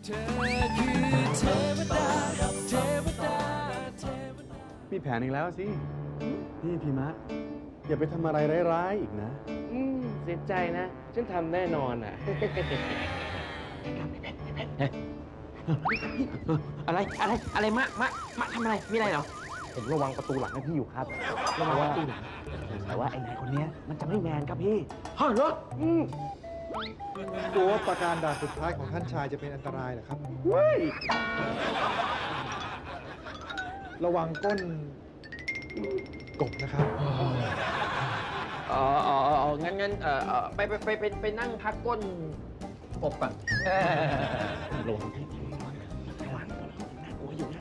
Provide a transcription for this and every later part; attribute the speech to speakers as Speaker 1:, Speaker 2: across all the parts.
Speaker 1: มีแผนอีกแล้วสินี่พี่มะอย่าไปทำอะไรร้ายๆอีกนะ
Speaker 2: เสียใจนะ ฉันทำแน่นอนอ่ะ
Speaker 3: อะไรมะทำอะไร มีอะไรเหรอ
Speaker 2: ผมระวังประตูหลังให้พี่อยู่ครับระวังประตูหลังแต่ว่าไอ้นายคนเนี้ยมันจะไม่แมนครับพี่
Speaker 3: ฮะเหรอ
Speaker 4: ตัวประการด่านสุดท้ายของท่านชายจะเป็นอันตรายเหรอครับ ระวังก้นกบนะครับ
Speaker 3: งั้นไปนั่งพักก้นกบก่อน
Speaker 2: ระวังให้ระวังน่ากลัวอยู่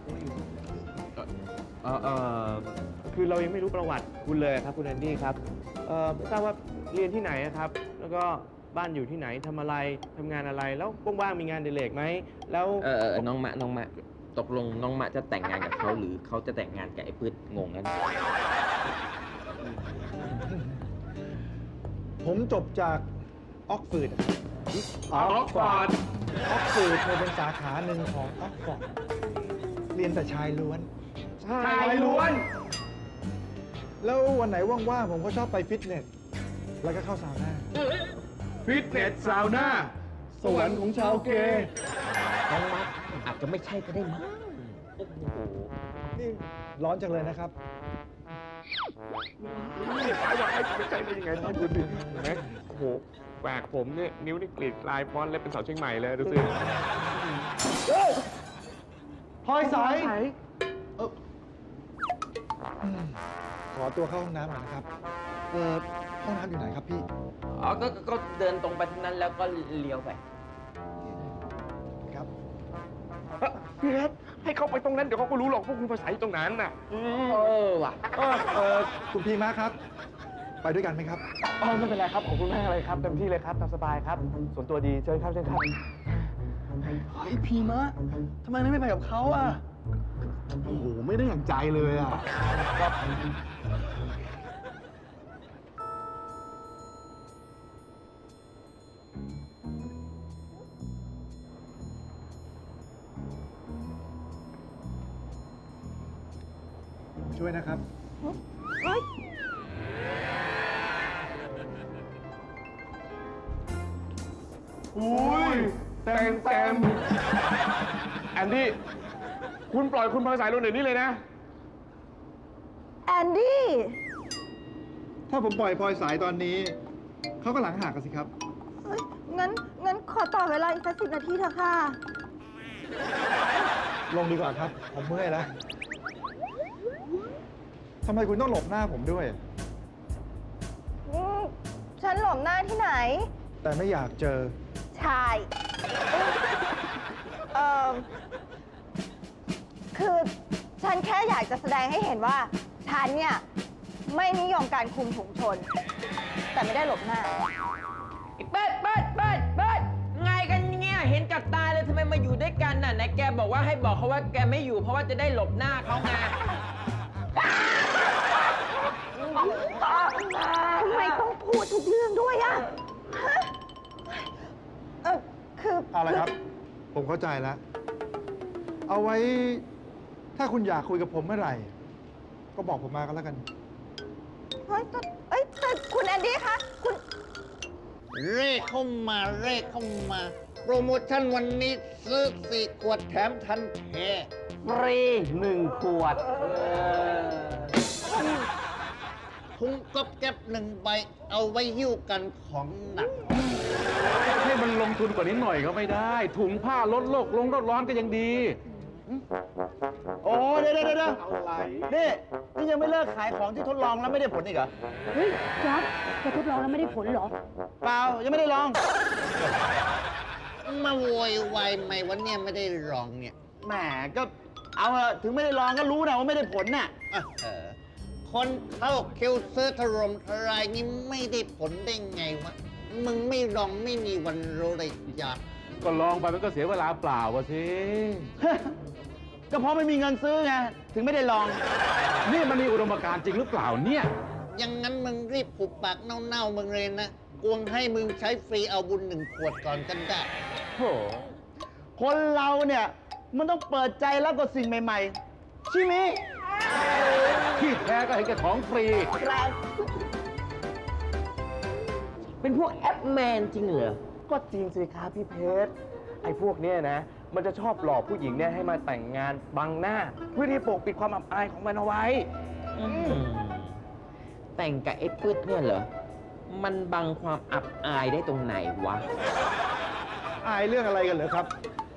Speaker 2: คือเรายังไม่รู้ประวัติคุณเลยครับคุณแอนดี้ครับไม่ทราบว่าเรียนที่ไหนครับ แล้วก็บ้านอยู่ที่ไหนทำอะไรทำงานอะไรแล้วว่างๆมีงานอดิเรกไหมแล้ว
Speaker 3: น้องมะตกลงน้องมะจะแต่งงานกับเขาหรือเขาจะแต่งงานกับไอ้พืชงงนั้น
Speaker 4: ผมจบจากออกฟอร์ด
Speaker 2: ออกฟอร์ด
Speaker 4: ออกฟอร์ดเป็นสาขาหนึ่งของออกฟอร์ดเรียนแต่ชายล้วน
Speaker 2: ชายล้วน
Speaker 4: แล้ววันไหนว่างๆผมก็ชอบไปฟิตเนส แล้วก็เข้าซาวน่า
Speaker 1: ฟิตเนสซาวน่าสวรรค์ของชาวเกย์
Speaker 3: น้องมะอาจจะไม่ใช่ก็ได้มั้ง
Speaker 4: นี่ร้อนจังเลยนะครับ
Speaker 2: ไม่ใช่ได้ยังไงท่านดูสิเห็นไหมโอ้โหแหวกผมเนี่ยนิ้วนี่กรีดลายฟอนต์เล็บเป็นเสาเชียงใหม่เลยดูสิ
Speaker 4: พลอยใสขอตัวเข้าห้องน้ำหน่อยนะครับ ห้องน้ำอยู่ไหนครับพี่
Speaker 3: อ๋อก็เดินตรงไปทางนั้นแล้วก็เลี้ยวไป
Speaker 4: ครับ
Speaker 2: พี่ครับให้เขาไปตรงนั้นเดี๋ยวเขาก็รู้หรอกพวกคุณภาษาอยู่ตรงนั้นน่ะ
Speaker 3: ว่ะ
Speaker 4: คุณพีมาครับ ไปด้วยกันไหมครับ
Speaker 2: ไม่เป็นไรครับขอบคุณมากเลยครับเต็มที่เลยครับตามสบายครับ ส่วนตัวดีเชิญครับเชิญครับ
Speaker 1: เฮ้ยพี่มะทำไมไม่ไปกับเขาอ่ะโอ้โหไม่ได้อย่างใจเลยอ่ะ
Speaker 4: ช่วยนะครับ
Speaker 2: อุ้ยเต็มแอนดี้คุณปล่อยคุณภาษาลงเดี๋ยวนี้เลยนะ
Speaker 5: แอนดี้
Speaker 4: ถ้าผมปล่อยพลอยสายตอนนี้ เขาก็หลังหักกันสิครับ
Speaker 5: เฮ้ยงั้นขอต่อเวลาอีกสัก10 นาทีเถอะค่ะ
Speaker 4: ลงดีกว่าครับ ผมเมื่อยแล้วทำไมคุณต้องหลบหน้าผมด้วย
Speaker 5: ฉันหลบหน้าที่ไหน
Speaker 4: แต่ไม่อยากเจอ
Speaker 5: ชายคือฉันแค่อยากจะแสดงให้เห็นว่า ฉันเนี่ย ไม่นิยมการคุมถุงชน แต่ไม่ได้หลบหน้า
Speaker 3: เปิดไงกันเนี่ยเห็นกับตาเลยทำไมมาอยู่ด้วยกันน่ะไหนแกบอกว่าให้บอกเขาว่าแกไม่อยู่เพราะว่าจะได้หลบหน้าเขาไง
Speaker 5: ทำไมต้องพูดทุกเรื่องด้วยอะฮะคือ
Speaker 4: เอาละครับ ผมเข้าใจแล้ว เอาไว้ ถ้าคุณอยากคุยกับผมเมื่อไหร่ ก็บอกผมมาก็แล้วกัน
Speaker 5: เฮ้ยแต่คุณแอนดี้คะคุณ
Speaker 6: เร่เข้ามาโปรโมชั่นวันนี้ซื้อ4 ขวดแถมทันแท้
Speaker 3: ฟรี1 ขวด
Speaker 6: ถุงก๊อบแก๊บ1 ใบ เอาไว้หิ้วกันของหนัก
Speaker 1: ให้มันลงทุนกว่านี้หน่อยก็ไม่ได้ ถุงผ้าลดโลกลงโลกร้อนก็ยังดี
Speaker 7: โอ้เดี๋ยวนี่ยังไม่เลิกขายของที่ทดลองแล้วไม่ได้ผลอีกเหรอ
Speaker 8: เฮ้ยจ๊อบแกทดลองแล้วไม่ได้ผลเหรอ
Speaker 7: เปล่า ยังไม่ได้ลอง
Speaker 6: มาโวยวายไหมวันนี้ไม่ได้ลองเนี่ย
Speaker 7: แหมก็เอาเถอะถึงไม่ได้ลองก็รู้นะว่าไม่ได้ผลน่ะ
Speaker 6: คนเข้าคิวซื้อถล่มทลายนี่ไม่ได้ผลได้ไงวะ มึงไม่ลองไม่มีวันรู้เลยจ้ะ
Speaker 1: ก็ลองไปมันก็เสียเวลาเปล่าวะสิ
Speaker 7: ก็เพราะไม่มีเงินซื้อไง ถึงไม่ได้ลอง
Speaker 1: นี่มันมีอุดมการณ์จริงหรือเปล่าเนี่ย
Speaker 6: อย่างนั้นมึงรีบผูกปากเน่าๆมึงเลยนะ กวงให้มึงใช้ฟรีเอาบุญ1 ขวดก่อนกันได้
Speaker 1: โห
Speaker 7: คนเราเนี่ย มันต้องเปิดใจรับกับสิ่งใหม่ๆ ใช่ไหม
Speaker 1: ที่แท้ก็เห็นแก่ของฟรี
Speaker 3: เป็นพวกแอปแมนจริงเหรอ
Speaker 2: ก็จริงสิครับพี่เพชร ไอ้พวกเนี้ยนะ มันจะชอบหลอกผู้หญิงเนี่ยให้มาแต่งงานบังหน้า เพื่อที่ปกปิดความอับอายของมันเอาไว้
Speaker 3: แต่งกับไอ้ปื๊ดเนี่ยเหรอ มันบังความอับอายได้ตรงไหนวะ
Speaker 4: อายเรื่องอะไรกันเหรอครับ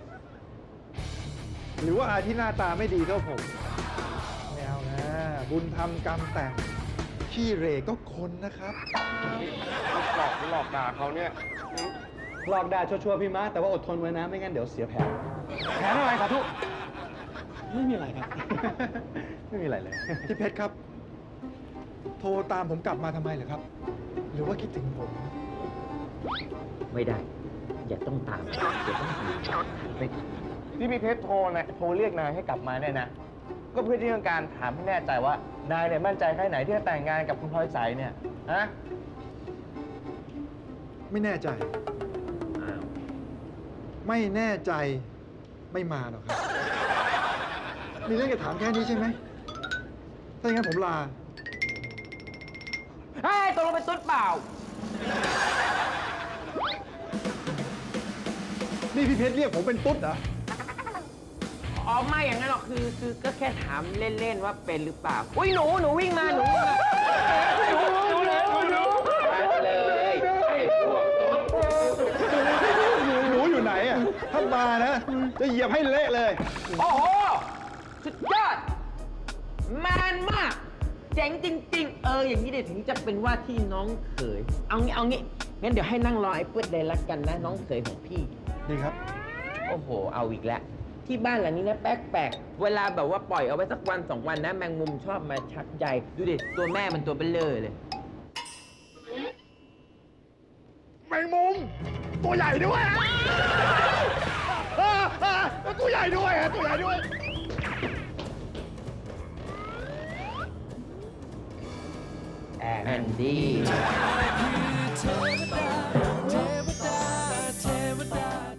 Speaker 4: หรือว่าอายที่หน้าตาไม่ดีเท่าผมไม่เอานะ บุญทำกรรมแต่ง ขี้เหร่ก็คนนะครับ
Speaker 2: หลอกด่าเขาเนี่ย
Speaker 1: หลอกด่าชัวร์ๆพี่ม้าแต่ว่าอดทนไว้นะ ไม่งั้นเดี๋ยวเสียแผน
Speaker 4: แผนอะไรสาธุ
Speaker 1: ไม่มีอะไรครับ ไม่มีอะไรเลย
Speaker 4: พี่เพชรครับ โทรตามผมกลับมาทำไมเหรอครับ หรือว่าคิดถึงผม
Speaker 3: ไม่ได้ อย่าต้องตามอย่าต้องตาม
Speaker 2: ที่พี่เพชรโทรเรียกนายให้กลับมาเนี่ยนะ ก็เพื่อที่ต้องการถามให้แน่ใจว่านายเนี่ยมั่นใจแค่ไหนที่จะแต่งงานกับคุณพลอยใสเนี่ยฮะ
Speaker 4: ไม่แน่ใจ ไม่แน่ใจ ไม่มาหรอกครับ มีเรื่องจะถามแค่นี้ใช่ไหม ถ้าอย่างนั้นผมลา
Speaker 3: เฮ้ยตกลงเป็นตุ๊ดเปล่า
Speaker 4: นี่พี่เพชรเรียกผมเป็นตุ๊ดเหรอ
Speaker 3: อ๋อไม่อย่างนั้นหรอกคือก็แค่ถามเล่นๆว่าเป็นหรือเปล่า อุ้ยหนูวิ่งมาหนูวิ่งมาเลย
Speaker 4: หนูอยู่ไหนอ่ะ ถ้ามานะ จะเหยียบให้เละเลย
Speaker 3: โอ้โห สุดยอดแมนมาก เจ๋งจริง ๆ อย่างนี้เดี๋ยวถึงจะเป็นว่าที่น้องเขย เอางี้ งั้นเดี๋ยวให้นั่งรอไอ้ปื๊ดเลยละกันนะ น้องเขยของพี่
Speaker 4: ดีครับ
Speaker 3: โอ้โห เอาอีกแล้ว ที่บ้านหลังนี้นะแปลกๆ เวลาแบบว่าปล่อยเอาไว้สักวัน2 วันนะ แมงมุมชอบมาชักใยดูดิ ตัวแม่มันตัวเบลเลอร์เลย
Speaker 4: แมงมุม ตัวใหญ่ด้วยตัวใหญ่ด้วยตัวใหญ่ด้วย
Speaker 3: แอนดี้